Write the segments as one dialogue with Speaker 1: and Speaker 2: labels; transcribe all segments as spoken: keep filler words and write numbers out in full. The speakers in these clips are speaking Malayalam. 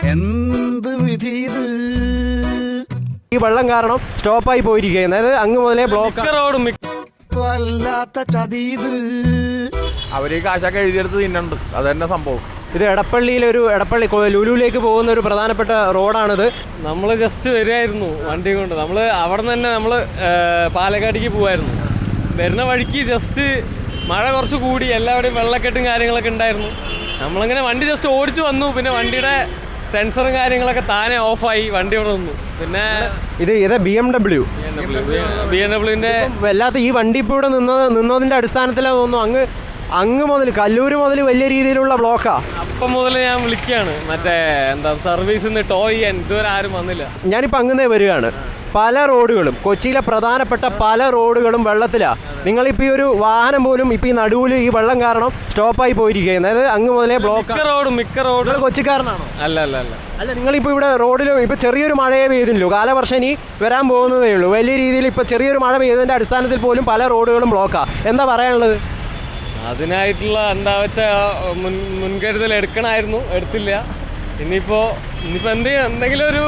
Speaker 1: എന്ത് വിധി
Speaker 2: ഈ വെള്ളം കാരണം സ്റ്റോപ്പായി പോയിരിക്കുകയാണ്. അതായത് അങ്ങ് മുതലേ ബ്ലോക്ക്
Speaker 1: വല്ലാത്ത ചതീത്
Speaker 3: അവര് കാശൊക്കെ എഴുതിയെടുത്ത് തിന്നുണ്ട്. അത് തന്നെ സംഭവം.
Speaker 2: ഇത് എടപ്പള്ളിയിലൊരു എടപ്പള്ളി ലുലുവിലേക്ക് പോകുന്ന ഒരു പ്രധാനപ്പെട്ട റോഡാണിത്.
Speaker 4: നമ്മൾ ജസ്റ്റ് വരികയായിരുന്നു വണ്ടി കൊണ്ട്. നമ്മൾ അവിടെ നിന്ന് തന്നെ നമ്മൾ പാലക്കാടേക്ക് പോകുമായിരുന്നു. വരുന്ന വഴിക്ക് ജസ്റ്റ് മഴ കുറച്ച് കൂടി, എല്ലാവരുടെയും വെള്ളക്കെട്ടും കാര്യങ്ങളൊക്കെ ഉണ്ടായിരുന്നു. നമ്മളങ്ങനെ വണ്ടി ജസ്റ്റ് ഓടിച്ചു വന്നു. പിന്നെ വണ്ടിയുടെ സെൻസറും കാര്യങ്ങളൊക്കെ താനെ ഓഫായി, വണ്ടി ഇവിടെ നിന്നു. പിന്നെ
Speaker 2: ഇത് ഇത് B M W
Speaker 4: B M ഡബ്ല്യുവിൻ്റെ
Speaker 2: വല്ലാത്ത ഈ വണ്ടി ഇപ്പോൾ ഇവിടെ നിന്നത് നിന്നതിൻ്റെ അടിസ്ഥാനത്തിലാണ് തോന്നുന്നു അങ്ങ് അങ്ങ് മുതൽ കല്ലൂർ മുതൽ വലിയ രീതിയിലുള്ള ബ്ലോക്കാ.
Speaker 4: അപ്പം മുതൽ ഞാൻ വിളിക്കുകയാണ് മറ്റേ എന്താ സർവീസിൽ നിന്ന് ടോ ചെയ്യാൻ. ഇതുവരെ ആരും വന്നില്ല.
Speaker 2: ഞാനിപ്പോൾ അങ്ങനേ വരികയാണ്. പല റോഡുകളും കൊച്ചിയിലെ പ്രധാനപ്പെട്ട പല റോഡുകളും വെള്ളത്തിലാണ്. നിങ്ങളിപ്പോൾ ഈ ഒരു വാഹനം പോലും ഇപ്പോൾ ഈ നടുവിൽ ഈ വെള്ളം കാരണം സ്റ്റോപ്പായി പോയിരിക്കുകയാണ്. അതായത് അങ്ങ് മുതലേ ബ്ലോക്ക്.
Speaker 4: മിക്ക റോഡും മിക്ക റോഡുകൾ
Speaker 2: കൊച്ചിക്കാരനാണോ?
Speaker 4: അല്ല അല്ല അല്ല
Speaker 2: അല്ല നിങ്ങളിപ്പോൾ ഇവിടെ റോഡിൽ ഇപ്പോൾ ചെറിയൊരു മഴയെ പെയ്തില്ലല്ലോ. കാലവർഷം ഇനി വരാൻ പോകുന്നതേ ഉള്ളൂ. വലിയ രീതിയിൽ ഇപ്പോൾ ചെറിയൊരു മഴ പെയ്തതിൻ്റെ അടിസ്ഥാനത്തിൽ പോലും പല റോഡുകളും ബ്ലോക്കാണ്. എന്താ പറയാനുള്ളത്?
Speaker 4: അതിനായിട്ടുള്ള എന്താ വെച്ചാൽ മുൻ മുൻകരുതൽ എടുക്കണമായിരുന്നു, എടുത്തില്ല. ഇനിയിപ്പോൾ ഇനിയിപ്പോൾ എന്ത് എന്തെങ്കിലും ഒരു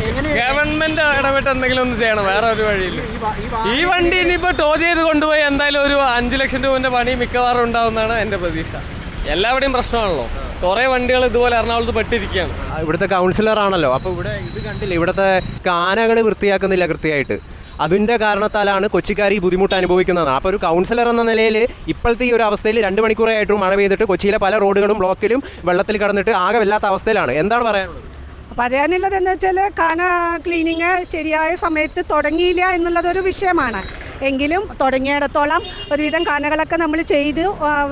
Speaker 4: ഗവൺമെൻറ് ഇടപെട്ട് എന്തെങ്കിലും ഒന്ന് ചെയ്യണം. വേറെ ഒരു വഴിയില്ല. ഈ വണ്ടി ഇനിയിപ്പോൾ ടോ ചെയ്ത് കൊണ്ടുപോയി എന്തായാലും ഒരു അഞ്ച് ലക്ഷം രൂപൻ്റെ പണി മിക്കവാറും ഉണ്ടാവുമെന്നാണ് എൻ്റെ പ്രതീക്ഷ. എല്ലാവരുടെയും പ്രശ്നമാണല്ലോ. കുറേ വണ്ടികൾ ഇതുപോലെ എറണാകുളത്ത് പെട്ടിരിക്കുകയാണ്.
Speaker 2: ഇവിടുത്തെ കൗൺസിലറാണല്ലോ. അപ്പോൾ ഇവിടെ ഇത് കണ്ടില്ല, ഇവിടുത്തെ കാനകൾ വൃത്തിയാക്കുന്നില്ല കൃത്യമായിട്ട്. അതിൻ്റെ കാരണത്താലാണ് കൊച്ചിക്കാർ ഈ ബുദ്ധിമുട്ട് അനുഭവിക്കുന്നത്. അപ്പോൾ ഒരു കൗൺസിലർ എന്ന നിലയിൽ ഇപ്പോഴത്തെ ഈ ഒരു അവസ്ഥയിൽ രണ്ട് മണിക്കൂറായിട്ടും മഴ പെയ്തിട്ട് കൊച്ചിയിലെ പല റോഡുകളും ബ്ലോക്കിലും വെള്ളത്തിൽ കടന്നിട്ട് ആകെ വല്ലാത്ത അവസ്ഥയിലാണ്. എന്താണ് പറയാനുള്ളത്?
Speaker 5: പറയാനുള്ളത് എന്ന് വെച്ചാൽ കാന ക്ലീനിങ് ശരിയായ സമയത്ത് തുടങ്ങിയില്ല എന്നുള്ളതൊരു വിഷയമാണ്. എങ്കിലും തുടങ്ങിയിടത്തോളം ഒരുവിധം കാനകളൊക്കെ നമ്മൾ ചെയ്ത്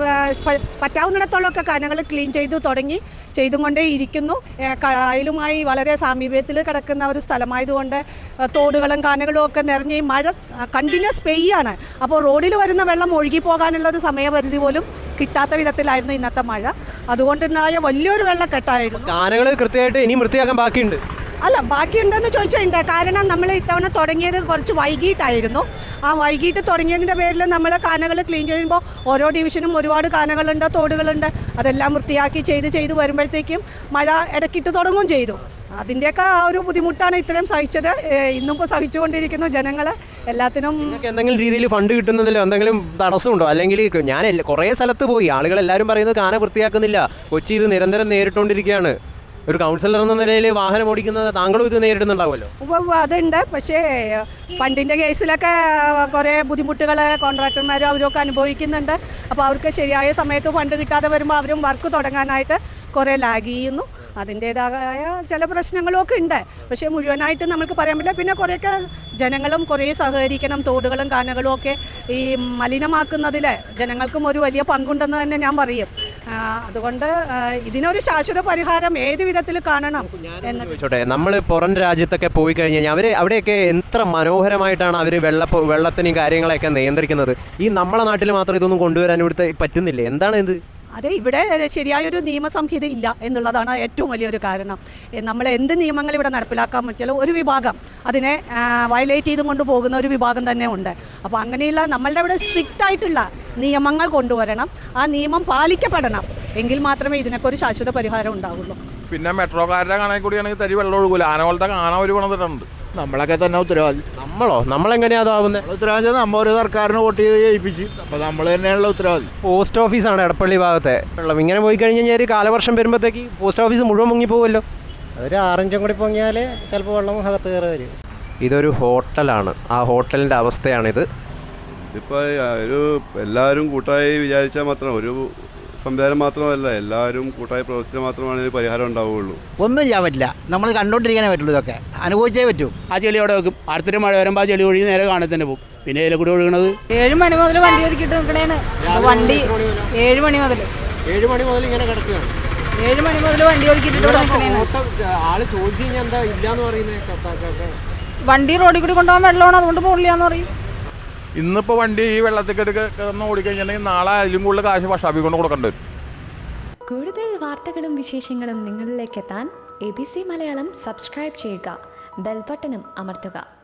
Speaker 5: പറ്റാവുന്നിടത്തോളമൊക്കെ കാനകൾ ക്ലീൻ ചെയ്തു തുടങ്ങി ചെയ്തും കൊണ്ടേ ഇരിക്കുന്നു. കായലുമായി വളരെ സാമീപ്യത്തിൽ കിടക്കുന്ന ഒരു സ്ഥലമായതുകൊണ്ട് തോടുകളും കാനകളും ഒക്കെ നിറഞ്ഞ് ഈ മഴ കണ്ടിന്യൂസ് പെയ്യാണ്. അപ്പോൾ റോഡിൽ വരുന്ന വെള്ളം ഒഴുകി പോകാനുള്ളൊരു സമയപരിധി പോലും കിട്ടാത്ത വിധത്തിലായിരുന്നു ഇന്നത്തെ മഴ. അതുകൊണ്ടുണ്ടായ വലിയൊരു വെള്ളക്കെട്ടായിരുന്നു.
Speaker 2: കാനകൾ കൃത്യമായിട്ട് ഇനിയും വൃത്തിയാക്കാൻ ബാക്കിയുണ്ട്.
Speaker 5: അല്ല ബാക്കിയുണ്ടെന്ന് ചോദിച്ചിട്ടുണ്ട്. കാരണം നമ്മൾ ഇത്തവണ തുടങ്ങിയത് കുറച്ച് വൈകിട്ടായിരുന്നു. ആ വൈകിട്ട് തുടങ്ങിയതിൻ്റെ പേരിൽ നമ്മൾ കാനകൾ ക്ലീൻ ചെയ്യുമ്പോൾ ഓരോ ഡിവിഷനും ഒരുപാട് കാനകളുണ്ട്, തോടുകളുണ്ട്. അതെല്ലാം വൃത്തിയാക്കി ചെയ്ത് ചെയ്ത് വരുമ്പോഴത്തേക്കും മഴ ഇടയ്ക്കിട്ട് തുടങ്ങുകയും ചെയ്തു. അതിൻ്റെയൊക്കെ ആ ഒരു ബുദ്ധിമുട്ടാണ് ഇത്രയും സഹിച്ചത്. ഇന്നിപ്പോൾ സഹിച്ചുകൊണ്ടിരിക്കുന്നു ജനങ്ങൾ. എല്ലാത്തിനും
Speaker 2: എന്തെങ്കിലും രീതിയിൽ ഫണ്ട് കിട്ടുന്നതിലോ എന്തെങ്കിലും തടസ്സമുണ്ടോ? അല്ലെങ്കിൽ ഞാൻ കുറേ സ്ഥലത്ത് പോയി, ആളുകൾ എല്ലാവരും പറയുന്നത് കാന വൃത്തിയാക്കുന്നില്ല. കൊച്ചി ഇത് നിരന്തരം നേരിട്ടുകൊണ്ടിരിക്കുകയാണ്. ഒരു കൗൺസിലർ എന്ന നിലയിൽ വാഹനം ഓടിക്കുന്നത് താങ്കളും ഇത് നേരിടുന്നുണ്ടാവുമല്ലോ.
Speaker 5: അതുണ്ട്. പക്ഷേ ഫണ്ടിൻ്റെ കേസിലൊക്കെ കുറേ ബുദ്ധിമുട്ടുകൾ കോൺട്രാക്ടർമാരും അവരൊക്കെ അനുഭവിക്കുന്നുണ്ട്. അപ്പോൾ അവർക്ക് ശരിയായ സമയത്ത് ഫണ്ട് കിട്ടാതെ വരുമ്പോൾ അവരും വർക്ക് തുടങ്ങാനായിട്ട് കുറേ ലാഗ് ചെയ്യുന്നു. അതിൻ്റേതായ ചില പ്രശ്നങ്ങളൊക്കെ ഉണ്ട്. പക്ഷേ മുഴുവനായിട്ട് നമുക്ക് പറയാൻ പറ്റില്ല. പിന്നെ കുറേയൊക്കെ ജനങ്ങളും കുറേ സഹകരിക്കണം. തോടുകളും കാനകളും ഒക്കെ ഈ മലിനമാക്കുന്നതിൽ ജനങ്ങൾക്കും ഒരു വലിയ പങ്കുണ്ടെന്ന് തന്നെ ഞാൻ പറയും. അതുകൊണ്ട് ഇതിനൊരു ശാശ്വത പരിഹാരം ഏത് വിധത്തിൽ കാണണം എന്ന്
Speaker 2: ചോദിച്ചോട്ടെ. നമ്മൾ പുറം രാജ്യത്തൊക്കെ പോയി കഴിഞ്ഞ് കഴിഞ്ഞാൽ അവർ അവിടെയൊക്കെ എത്ര മനോഹരമായിട്ടാണ് അവർ വെള്ള വെള്ളത്തിന് കാര്യങ്ങളെയൊക്കെ നിയന്ത്രിക്കുന്നത്. ഈ നമ്മളെ നാട്ടിൽ മാത്രം ഇതൊന്നും കൊണ്ടുവരാൻ ഇവിടുത്തെ പറ്റുന്നില്ലേ? എന്താണ് ഇത്?
Speaker 5: അതെ, ഇവിടെ ശരിയായൊരു നിയമസംഹിത ഇല്ല എന്നുള്ളതാണ് ഏറ്റവും വലിയൊരു കാരണം. നമ്മൾ എന്ത് നിയമങ്ങൾ ഇവിടെ നടപ്പിലാക്കാൻ പറ്റിയാലും ഒരു വിഭാഗം അതിനെ വയലേറ്റ് ചെയ്തും കൊണ്ട് പോകുന്ന ഒരു വിഭാഗം തന്നെ ഉണ്ട്. അപ്പോൾ അങ്ങനെയുള്ള നമ്മളുടെ ഇവിടെ സ്ട്രിക്റ്റ് ആയിട്ടുള്ള നിയമങ്ങൾ കൊണ്ടുവരണം. ആ നിയമം പാലിക്കപ്പെടണം. എങ്കിൽ മാത്രമേ ഇതിനൊക്കെ ഒരു ശാശ്വത പരിഹാരം ഉണ്ടാവുള്ളൂ.
Speaker 3: പിന്നെ മെട്രോക്കാരുടെ കാണാൻ കൂടിയാണെങ്കിൽ തരി വെള്ളം ഒഴുകൂല. ആന പോലത്തെ കാണാൻ ഒരു പണിതിട്ടുണ്ട്. നമ്മളൊക്കെ തന്നെ ഉത്തരവാദി.
Speaker 2: നമ്മളോ? നമ്മളെങ്ങനെയാ അതാവുന്നത്?
Speaker 3: ഉത്തരവാദി നമ്മൾ ഒരു സർക്കാരിന് വോട്ട് ചെയ്ത് ജയിപ്പിച്ച്. അപ്പോൾ നമ്മൾ തന്നെയാണല്ലോ ഉത്തരവാദി.
Speaker 2: പോസ്റ്റ് ഓഫീസാണ് എടപ്പള്ളി ഭാഗത്തെ വെള്ളം. ഇങ്ങനെ പോയി കഴിഞ്ഞ് കഴിഞ്ഞാൽ കാലവർഷം വരുമ്പോഴത്തേക്ക് പോസ്റ്റ് ഓഫീസ് മുഴുവൻ മുങ്ങിപ്പോകുമല്ലോ.
Speaker 6: അതൊരു ആറഞ്ചും കൂടി പൊങ്ങിയാൽ ചിലപ്പോൾ വെള്ളം അകത്ത് കയറി വരും.
Speaker 2: ഇതൊരു ഹോട്ടലാണ്. ആ ഹോട്ടലിൻ്റെ അവസ്ഥയാണിത്.
Speaker 7: ഇതിപ്പോൾ ഒരു എല്ലാവരും കൂട്ടായി വിചാരിച്ചാൽ മാത്രം, ഒരു സംവിധാനം മാത്രമല്ല, എല്ലാവരും കൂട്ടായി പ്രവർത്തിച്ചാൽ മാത്രമാണ് ഒരു പരിഹാരം ഉണ്ടാവുകയുള്ളൂ.
Speaker 8: ഒന്നും ചെയ്യാൻ പറ്റില്ല. നമ്മൾ കണ്ടുകൊണ്ടിരിക്കാനേ പറ്റുള്ളൂ. ഇതൊക്കെ അനുഭവിച്ചേ പറ്റൂ.
Speaker 9: ആ ചെളി അവിടെ വെക്കും. അടുത്തൊരു മഴ വരുമ്പോൾ ആ ചെളി ഒഴുകി നേരെ കാണാൻ തന്നെ പോകും. പിന്നെ ഇതിലെ കൂടി ഒഴുകണത്
Speaker 10: ഏഴ് മണി മുതൽ വണ്ടി ഒതുക്കിയിട്ട് നിൽക്കണേന്ന്. വണ്ടി ഏഴ് മണി മുതൽ
Speaker 2: ഏഴ് മണി മുതൽ ഇങ്ങനെ കിടക്കുകയാണ്.
Speaker 10: ഏഴ് മണി മുതൽ വണ്ടി ഒതുക്കിയിട്ട് നിൽക്കണേന്ന്.
Speaker 2: ആള് ചോദിച്ചു കഴിഞ്ഞാൽ എന്താ ഇല്ലാന്ന് പറയുന്നത്?
Speaker 10: വണ്ടി റോഡിൽ കൂടി കൊണ്ടുപോകാൻ വെള്ളമാണ്, അതുകൊണ്ട് പോകില്ലാന്ന് പറയും.
Speaker 3: ഇന്നിപ്പോൾ വണ്ടി ഈ വെള്ളത്തിൽ കിടന്ന് ഓടിക്കഴിഞ്ഞിട്ടുണ്ടെങ്കിൽ നാളെ അതിലും കൂടുതൽ കാശ് ഭക്ഷാഭി കൊണ്ട് കൊടുക്കേണ്ടി വരും.
Speaker 11: കൂടുതൽ വാർത്തകളും വിശേഷങ്ങളും നിങ്ങളിലേക്ക് എത്താൻ A B C Malayalam subscribe ചെയ്യുക, ബെൽ ബട്ടണും അമർത്തുക.